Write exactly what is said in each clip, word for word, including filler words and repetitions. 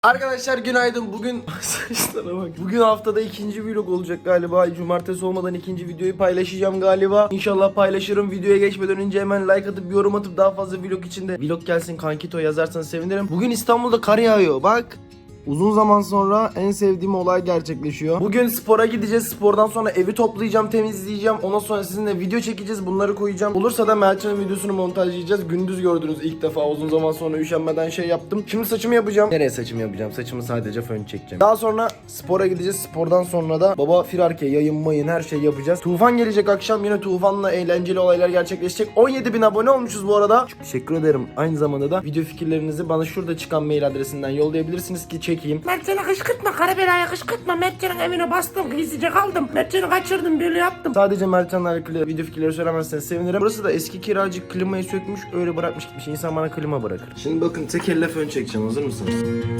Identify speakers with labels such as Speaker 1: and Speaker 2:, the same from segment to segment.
Speaker 1: Arkadaşlar günaydın. Bugün saçlara bak. Bugün haftada ikinci vlog olacak galiba. Cumartesi olmadan ikinci videoyu paylaşacağım galiba. İnşallah paylaşırım. Videoya geçmeden önce hemen like atıp yorum atıp daha fazla vlog içinde vlog gelsin kankito yazarsanız sevinirim. Bugün İstanbul'da kar yağıyor. Bak. Uzun zaman sonra en sevdiğim olay gerçekleşiyor. Bugün spora gideceğiz. Spordan sonra evi toplayacağım, temizleyeceğim. Ondan sonra sizinle video çekeceğiz. Bunları koyacağım. Olursa da Meltem'in videosunu montajlayacağız. Gündüz gördünüz ilk defa. Uzun zaman sonra üşenmeden şey yaptım. Şimdi saçımı yapacağım. Nereye saçımı yapacağım? Saçımı sadece fön çekeceğim. Daha sonra spora gideceğiz. Spordan sonra da baba firarke, yayın mayın her şey yapacağız. Tufan gelecek akşam. Yine Tufan'la eğlenceli olaylar gerçekleşecek. on yedi bin abone olmuşuz bu arada. Çok teşekkür ederim. Aynı zamanda da video fikirlerinizi bana şurada çıkan mail adresinden yollayabilirsiniz ki çekeyim.
Speaker 2: Mertcan'ı kışkırtma, Karabela'ya kışkırtma. Mertcan'ın evine bastım, gizlice kaldım. Mertcan'ı kaçırdım, böyle yaptım.
Speaker 1: Sadece Mertcan'la alakalı video fikirleri söylemezseniz sevinirim. Burası da eski kiracı, klimayı sökmüş, öyle bırakmış gitmiş. İnsan bana klima bırakır. Şimdi bakın tek elle fön çekeceğim. Hazır mısınız?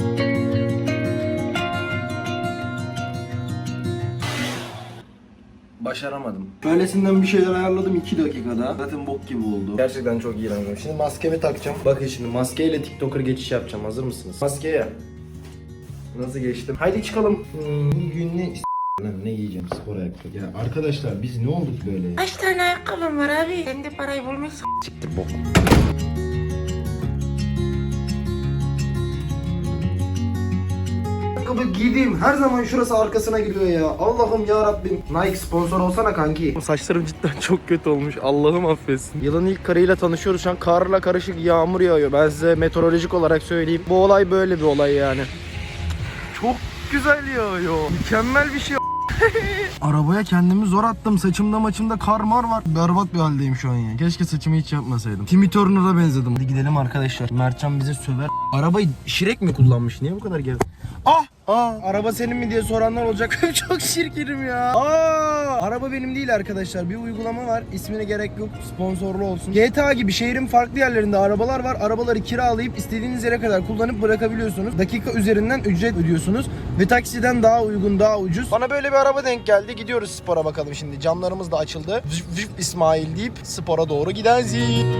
Speaker 1: Başaramadım. Böylesinden bir şeyler ayarladım iki dakikada. Zaten bok gibi oldu. Gerçekten çok iğrendim. Şimdi maskemi takacağım. Bakın şimdi maskeyle TikToker geçiş yapacağım. Hazır mısınız? Maskeye. Nasıl geçtim? Haydi çıkalım. Hmm, bugün ne Lan ne giyeceğim spor ayakkabı. Ya arkadaşlar biz ne olduk böyle?
Speaker 2: Kaç tane ayakkabım var abi? Sen de parayı bulmuşsun.
Speaker 1: Siktir bok. Ayakkabı giydiğim her zaman şurası arkasına giriyor ya. Allah'ım ya Rabbim. Nike sponsor olsana kanki. Saçlarım cidden çok kötü olmuş. Allah'ım affetsin. Yılın ilk karıyla tanışıyoruz. Şu an karla karışık yağmur yağıyor. Ben size meteorolojik olarak söyleyeyim. Bu olay böyle bir olay yani. Çok güzel yağıyor. Mükemmel bir şey. Arabaya kendimi zor attım. Saçımda maçımda kar mar var. Berbat bir haldeyim şu an ya. Keşke saçımı hiç yapmasaydım. Timmy Turner'a benzedim. Hadi gidelim arkadaşlar. Mertcan bize söver. Arabayı Şirek mi kullanmış? Niye bu kadar geri? Ah! Aa, araba senin mi diye soranlar olacak. Çok şirkinim ya. Aa, araba benim değil arkadaşlar. Bir uygulama var. İsmine gerek yok. Sponsorlu olsun. G T A gibi şehrin farklı yerlerinde arabalar var. Arabaları kiralayıp istediğiniz yere kadar kullanıp bırakabiliyorsunuz. Dakika üzerinden ücret ödüyorsunuz. Ve taksiden daha uygun, daha ucuz. Bana böyle bir araba denk geldi. Gidiyoruz spora bakalım şimdi. Camlarımız da açıldı. Vif vif İsmail deyip spora doğru gideriz.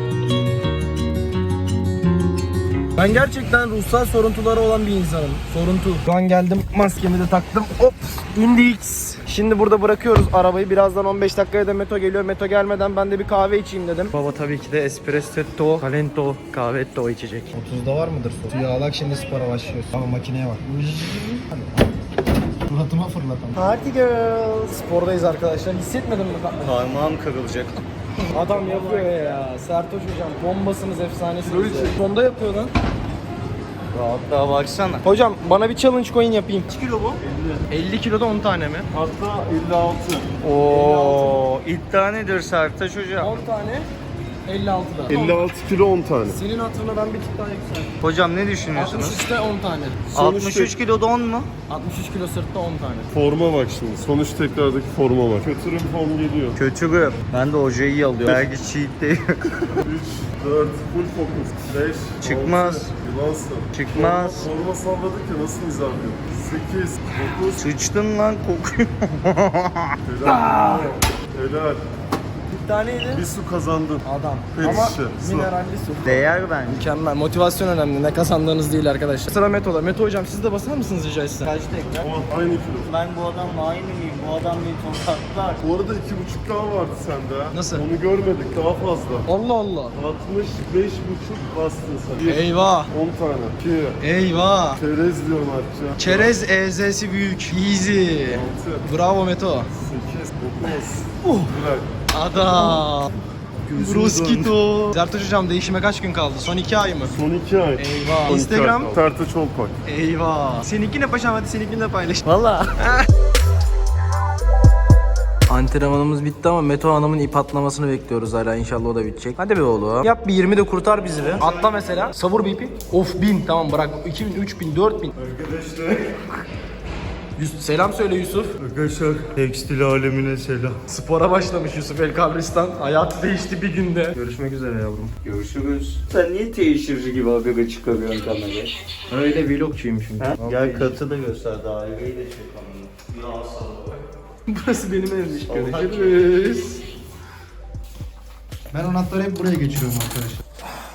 Speaker 1: Ben gerçekten ruhsal soruntuları olan bir insanım. Soruntu. Şu an geldim, maskemi de taktım. Hop, indik. Şimdi burada bırakıyoruz arabayı. Birazdan on beş dakikaya da Meto geliyor. Meto gelmeden ben de bir kahve içeyim dedim. Baba tabii ki de espresso, calento, kahvetto içecek. otuzda var mıdır su? Suyu alak, şimdi spora başlıyoruz. Ama makineye bak. Suratıma fırlatalım. Party girl. Spordayız arkadaşlar. Hissetmedim mi?
Speaker 3: Parmağım kırılacak.
Speaker 1: Adam yapıyor ya. Sertoş hocam bombasınız, efsanesiniz. Sonda yapıyor lan.
Speaker 3: Rahatlığa baksana.
Speaker 1: Hocam bana bir challenge coin yapayım.
Speaker 3: kaç kilo bu?
Speaker 1: elli. elli kiloda on tane mi?
Speaker 4: Hatta elli altı.
Speaker 3: Oo, iddia nedir Sertaç hocam?
Speaker 1: on tane elli altıda.
Speaker 4: elli altı kilo on tane.
Speaker 1: Senin hatırına ben bir tık daha yükseldim.
Speaker 3: Hocam ne düşünüyorsunuz?
Speaker 1: altmış üçte on tane.
Speaker 3: altmış üç kiloda on mu?
Speaker 1: altmış üç kilo sırtta on tane.
Speaker 4: Forma bak şimdi. Sonuç tekrardaki forma bak. Kötürüm form geliyor.
Speaker 3: Kötü. Ben de hocayı iyi alıyorum. Belki cheat değil.
Speaker 4: üç, dört, full focus. beş,
Speaker 3: Çıkmaz.
Speaker 4: altı, yılansın.
Speaker 3: Çıkmaz.
Speaker 4: Forma, forma salladık ya, nasıl nizam yok? sekiz, dokuz.
Speaker 3: Sıçtın lan kokuyor.
Speaker 4: Helal. Helal.
Speaker 1: Bir taneydi.
Speaker 4: Bir su kazandın.
Speaker 1: Adam.
Speaker 4: Pet
Speaker 1: Ama
Speaker 4: şişe, su.
Speaker 1: mineralli su.
Speaker 3: Değer bence.
Speaker 1: Mükemmel. Motivasyon önemli. Ne kazandığınız değil arkadaşlar. Sıra Meto'da. Meto hocam siz de basar mısınız rica etsem?
Speaker 3: Kaçta ekran?
Speaker 4: O aynı kilo.
Speaker 3: Ben bu adamla aynı mıyım? Bu adam beni tokatlar.
Speaker 4: Bu arada iki buçuk daha vardı sende ha.
Speaker 1: Nasıl?
Speaker 4: Onu görmedik, daha fazla.
Speaker 1: Allah Allah.
Speaker 4: altmış beş buçuk bastın sen. Bir,
Speaker 1: Eyvah.
Speaker 4: on tane. iki.
Speaker 1: Eyvah.
Speaker 4: Çerez diyorum Artça.
Speaker 1: Çerez E Z'si büyük. Easy.
Speaker 4: altı.
Speaker 1: Bravo Meto.
Speaker 4: sekiz, dokuz.
Speaker 1: Uh.
Speaker 4: Bırak.
Speaker 1: Adam.
Speaker 4: Gözümüz
Speaker 1: Bruskito. Zertoş hocam değişime kaç gün kaldı? Son iki ay mı?
Speaker 4: Son iki ay.
Speaker 1: Eyvah.
Speaker 4: Son iki
Speaker 1: Instagram.
Speaker 4: ay. Tartı Çolpak.
Speaker 1: Eyvah. Seninki ne paşam, hadi seninkini de paylaş.
Speaker 3: Valla.
Speaker 1: Antrenmanımız bitti ama Meto Hanım'ın ip atlamasını bekliyoruz hala, inşallah o da bitecek. Hadi be oğlum. Yap bir yirmi de kurtar bizi be. Atla mesela. Savur bir ipi. Of bin, tamam bırak. iki bin, üç bin, dört bin.
Speaker 4: Arkadaşlar.
Speaker 1: Yus- selam söyle Yusuf.
Speaker 4: Arkadaşlar.
Speaker 3: Tekstil alemine selam.
Speaker 1: Spora başlamış Yusuf El Kabristan. Hayatı değişti bir günde. Görüşmek üzere yavrum.
Speaker 3: Görüşürüz. Sen niye teşhirci gibi haberi çıkarıyorsun kameraya?
Speaker 1: Öyle vlogçuyum şimdi.
Speaker 3: Ha? Gel katı da göster, daireyi de çek kameraya. Ya sana.
Speaker 1: Burası benim evmiş. Görüşürüz.
Speaker 5: Ben anahtarı hep buraya geçiriyorum arkadaşlar.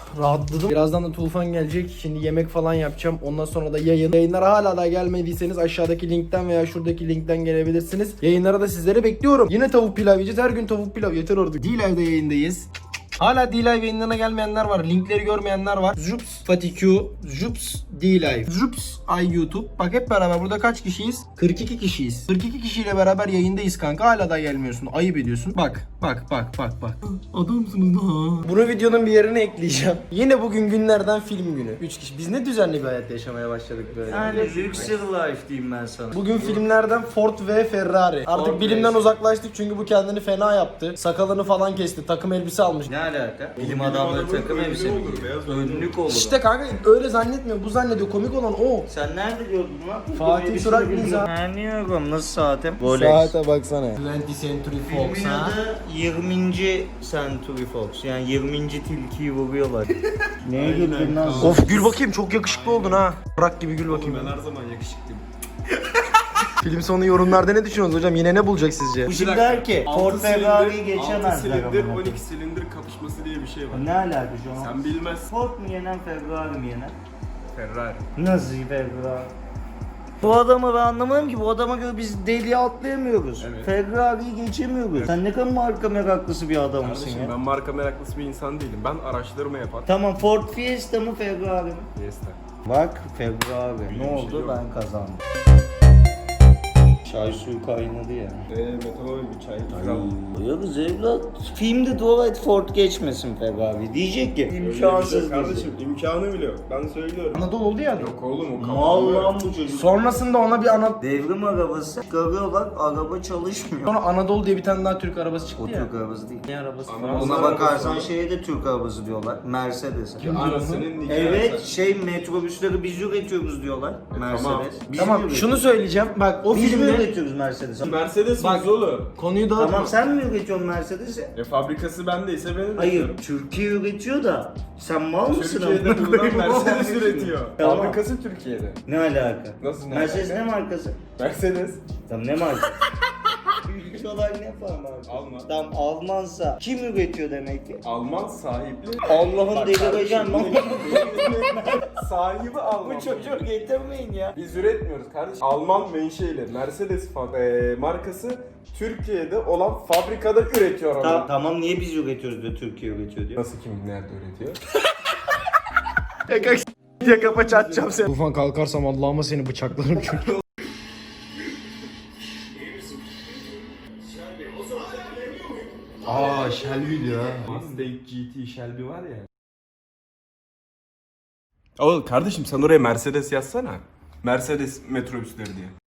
Speaker 1: Rahatladım. Birazdan da Tufan gelecek. Şimdi yemek falan yapacağım. Ondan sonra da yayın. Yayınlara hala da gelmediyseniz aşağıdaki linkten veya şuradaki linkten gelebilirsiniz. Yayınlara da sizleri bekliyorum. Yine tavuk pilav yiyeceğiz. Her gün tavuk pilav. Yeter artık. D-Live'de yayındayız. Hala D-Live yayınlarına gelmeyenler var. Linkleri görmeyenler var. Jups Fatih Q, Jups D-Live, Jups Ay YouTube. Bak hep beraber burada kaç kişiyiz? kırk iki kişiyiz. kırk iki kişiyle beraber yayındayız kanka. Hala da gelmiyorsun. Ayıp ediyorsun. Bak, bak, bak, bak, bak. Adamsınız ha. Bunu videonun bir yerine ekleyeceğim. Yine bugün günlerden film günü. üç kişi. Biz ne düzenli bir hayat yaşamaya başladık böyle.
Speaker 3: Yani Luxury Life diyeyim ben sana.
Speaker 1: Bugün filmlerden Ford ve Ferrari. Artık
Speaker 3: Ford
Speaker 1: bilimden
Speaker 3: ve-
Speaker 1: uzaklaştık çünkü bu kendini fena yaptı. Sakalını falan kesti. Takım elbise almış.
Speaker 3: Ne alaka? Bilim adamları takım elbise mi giyiyor? Önlük olur.
Speaker 1: İşte kanka öyle zannetmiyor. Bu zannediyor. Komik olan o.
Speaker 3: Sen nerede gördün lan?
Speaker 1: Fatih Surak Nizam.
Speaker 3: Anlıyorum. Nasıl saatim? Rolex.
Speaker 1: Saate baksana. yirminci Century Fox
Speaker 3: Filmin
Speaker 1: ha.
Speaker 3: adı yirminci Century Fox. Yani yirminci tilkiyi vuruyorlar. Neye güldün lan?
Speaker 1: Of gül bakayım, çok yakışıklı oldun ha. Bırak gibi gül bakayım.
Speaker 4: Ben her zaman yakışıklıyım.
Speaker 1: Film sonu yorumlarda ne düşünüyorsunuz hocam? Yine ne bulacak sizce?
Speaker 3: Bu şimdi der ki Ford
Speaker 4: altı
Speaker 3: Ferrari'yi
Speaker 4: silindir, altı
Speaker 3: geçemezler.
Speaker 4: silindir,
Speaker 3: amına
Speaker 4: on
Speaker 3: koyayım.
Speaker 4: iki silindir kapışması diye bir şey var.
Speaker 3: Ne alaka şu an?
Speaker 4: Sen bilmez.
Speaker 3: Ford mu yenen Ferrari mi yenen?
Speaker 4: Ferrari.
Speaker 3: Nasıl Ferrari? Bu adamı ben anlamadım ki, bu adama göre biz deliğe atlayamıyoruz.
Speaker 4: Evet.
Speaker 3: Ferrari'yi geçemiyoruz. Sen ne kadar marka meraklısı bir adamsın
Speaker 4: Kardeşim
Speaker 3: ya.
Speaker 4: ben marka meraklısı bir insan değilim. Ben araştırma yapan.
Speaker 3: Tamam, Ford Fiesta mı Ferrari mi?
Speaker 4: Fiesta.
Speaker 3: Bak Ferrari. Ne
Speaker 4: bir şey
Speaker 3: oldu?
Speaker 4: yok.
Speaker 3: Ben kazandım. Çay suyu kaynadı ya.
Speaker 4: Eee metanol bir çay.
Speaker 3: Ya kız evlat, filmde dua et Ford geçmesin Ferrari. Diyecek ki imkansız
Speaker 4: Kardeşim imkanı bile yok. Ben söylüyorum.
Speaker 1: Anadolu oldu ya.
Speaker 4: Yok oğlum o
Speaker 3: Mal
Speaker 4: kapalı.
Speaker 3: lan bu çocuk.
Speaker 1: Sonrasında ona bir ana...
Speaker 3: Devrim arabası çıkarıyorlar, araba çalışmıyor.
Speaker 1: Sonra Anadolu diye bir tane daha Türk arabası çıktı
Speaker 3: O
Speaker 1: ya.
Speaker 3: Türk arabası değil.
Speaker 1: Ne arabası?
Speaker 4: Ama
Speaker 1: Fransız.
Speaker 3: Ona bakarsan şeye de Türk arabası diyorlar. Mercedes.
Speaker 4: Anasının nikahı.
Speaker 3: Evet, şey metrobüsleri biz üretiyoruz diyorlar. Mercedes.
Speaker 4: tamam.
Speaker 3: Biz
Speaker 1: Tamam
Speaker 3: mi
Speaker 1: şunu söyleyeceğim. Bak o
Speaker 3: üretiyoruz? Biz mi
Speaker 1: filmde...
Speaker 3: üretiyoruz Mercedes?
Speaker 4: Mercedes
Speaker 1: Bak-
Speaker 4: biz oğlum.
Speaker 1: Konuyu dağıtma.
Speaker 3: Tamam, sen mi üretiyorsun Mercedes'i?
Speaker 4: E fabrikası bendeyse ben üretiyorum.
Speaker 3: Hayır, Türkiye üretiyor da sen mal mısın?
Speaker 4: Türkiye'de
Speaker 3: amına
Speaker 4: bulunan
Speaker 3: koyayım?
Speaker 4: Mercedes üretiyor.
Speaker 3: Tamam.
Speaker 4: Fabrikası Türkiye'de.
Speaker 3: Ne alaka?
Speaker 4: Nasıl ne
Speaker 3: Mercedes
Speaker 4: alaka?
Speaker 3: ne markası?
Speaker 4: Mercedes.
Speaker 3: Tamam, ne marka? Ülke olarak ne falan markası?
Speaker 4: Alman.
Speaker 3: Tamam, Almansa kim üretiyor demek ki?
Speaker 4: Alman sahipli.
Speaker 3: Allah'ın
Speaker 4: Bak
Speaker 3: delireceğim lan.
Speaker 4: kardeşim, sahibi Alman.
Speaker 3: Bu çocuğu getirmeyin ya.
Speaker 4: Biz üretmiyoruz kardeşim. Alman menşeili Mercedes fa- e, markası Türkiye'de olan fabrikada üretiyor onu.
Speaker 3: Ta- tamam, niye biz üretiyoruz diyor, Türkiye üretiyor diyor.
Speaker 4: Nasıl kim nerede üretiyor?
Speaker 1: Yaka diye kafa çatacağım seni. Tufan kalkarsam Allah'ıma seni bıçaklarım çünkü. Aa Shelby ya.
Speaker 4: Mustang G T Shelby var ya. Oğlum kardeşim sen oraya Mercedes yazsana. Mercedes metrobüsleri diye.